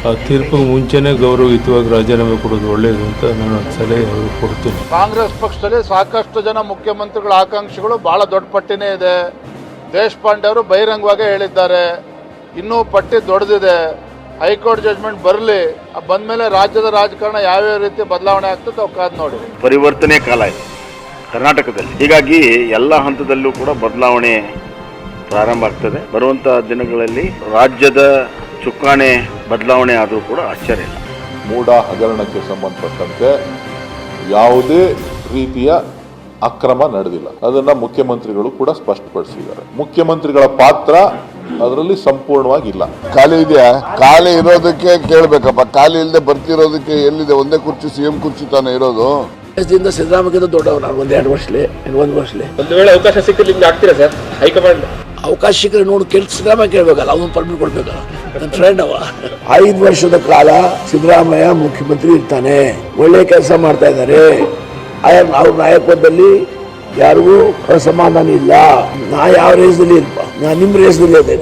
ಆ ತೀರ್ಪಿಗೆ ಮುಂಚೆನೇ ಗೌರವಯುತವಾಗಿ ರಾಜೀನಾಮೆ ಕೊಡೋದು ಒಳ್ಳೆಯದು ಅಂತ ನಾನು ಸಲಹೆ ಅವ್ರಿಗೆ ಕೊಡ್ತೀನಿ. ಕಾಂಗ್ರೆಸ್ ಪಕ್ಷದಲ್ಲಿ ಸಾಕಷ್ಟು ಜನ ಮುಖ್ಯಮಂತ್ರಿಗಳ ಆಕಾಂಕ್ಷಿಗಳು ಬಹಳ ದೊಡ್ಡ ಪಟ್ಟಿನೇ ಇದೆ. ದೇಶಪಾಂಡೆ ಅವರು ಬಹಿರಂಗವಾಗಿ ಹೇಳಿದ್ದಾರೆ, ಇನ್ನೂ ಪಟ್ಟಿ ದೊಡ್ಡದಿದೆ. ಹೈಕೋರ್ಟ್ ಜಡ್ಜ್ಮೆಂಟ್ ಬರಲಿ, ಬಂದಮೇಲೆ ರಾಜ್ಯದ ರಾಜಕಾರಣ ಯಾವ್ಯಾವ ರೀತಿ ಬದಲಾವಣೆ ಆಗ್ತದೆ ಅವು ಕಾದು ನೋಡಿ. ಪರಿವರ್ತನೆ ಕಾಲ ಇದೆ ಕರ್ನಾಟಕದಲ್ಲಿ, ಹೀಗಾಗಿ ಎಲ್ಲ ಹಂತದಲ್ಲೂ ಕೂಡ ಬದಲಾವಣೆ ಪ್ರಾರಂಭ ಆಗ್ತದೆ. ಬರುವಂಥ ದಿನಗಳಲ್ಲಿ ರಾಜ್ಯದ ಚುಕ್ಕಾಣಿ ಬದಲಾವಣೆ ಆದರೂ ಕೂಡ ಆಶ್ಚರ್ಯ ಇಲ್ಲ. ಮೂಡ ಹಗರಣಕ್ಕೆ ಸಂಬಂಧಪಟ್ಟಂತೆ ಯಾವುದೇ ರೀತಿಯ ಅಕ್ರಮ ನಡೆದಿಲ್ಲ, ಅದನ್ನ ಮುಖ್ಯಮಂತ್ರಿಗಳು ಕೂಡ ಸ್ಪಷ್ಟಪಡಿಸಿದ್ದಾರೆ. ಮುಖ್ಯಮಂತ್ರಿಗಳ ಪಾತ್ರ ಅದರಲ್ಲಿ ಸಂಪೂರ್ಣವಾಗಿ ಇಲ್ಲ. ಖಾಲಿ ಇದೆಯಾ? ಖಾಲಿ ಇರೋದಕ್ಕೆ ಕೇಳಬೇಕಪ್ಪ, ಖಾಲಿ ಇಲ್ಲದೆ ಬರ್ತಿರೋದಕ್ಕೆ ಎಲ್ಲಿದೆ? ಒಂದೇ ಕುರ್ಚಿ ಸಿಎಂ ಕುರ್ಚಿ ತಾನೇ ಇರೋದು. ದೇಶದಿಂದ ಸಿದ್ದರಾಮಯ್ಯ ದೊಡ್ಡವರು ನಾನು ಒಂದು ವರ್ಷಲೇ ಒಂದು ವೇಳೆ ಅವಕಾಶ ಸಿಕ್ಕರೆ ನಿಮ್ಗೆ ಆಗ್ತೀರಾ ಸರ್? ಹೈಕಮಾಂಡ್ ಅವಕಾಶ ಸಿಕ್ಕರೆ ನೋಡಿ ಸಿದ್ದರಾಮಯ್ಯ ಕೇಳಬೇಕಲ್ಲ, ಅವನು ಪರ್ಮಿಟ್ ಕೊಡ್ಬೇಕಲ್ಲ. ನನ್ನ ಫ್ರೆಂಡ್ ಅವ 5 ವರ್ಷದ ಕಾಲ ಸಿದ್ದರಾಮಯ್ಯ ಮುಖ್ಯಮಂತ್ರಿ ಇರ್ತಾನೆ, ಒಳ್ಳೆ ಕೆಲಸ ಮಾಡ್ತಾ ಇದ್ದಾರೆ. ಅವ್ರ ನಾಯಕತ್ವದಲ್ಲಿ ಯಾರಿಗೂ ಅಸಮಾಧಾನ ಇಲ್ಲ. ನಾ ಯಾವ ರೇಸ್ದಲ್ಲಿ ಇಲ್ಪ, ನಾ ನಿಮ್ಮ ರೇಸ್ದಲ್ಲಿ ಇದ್ದೇನೆ.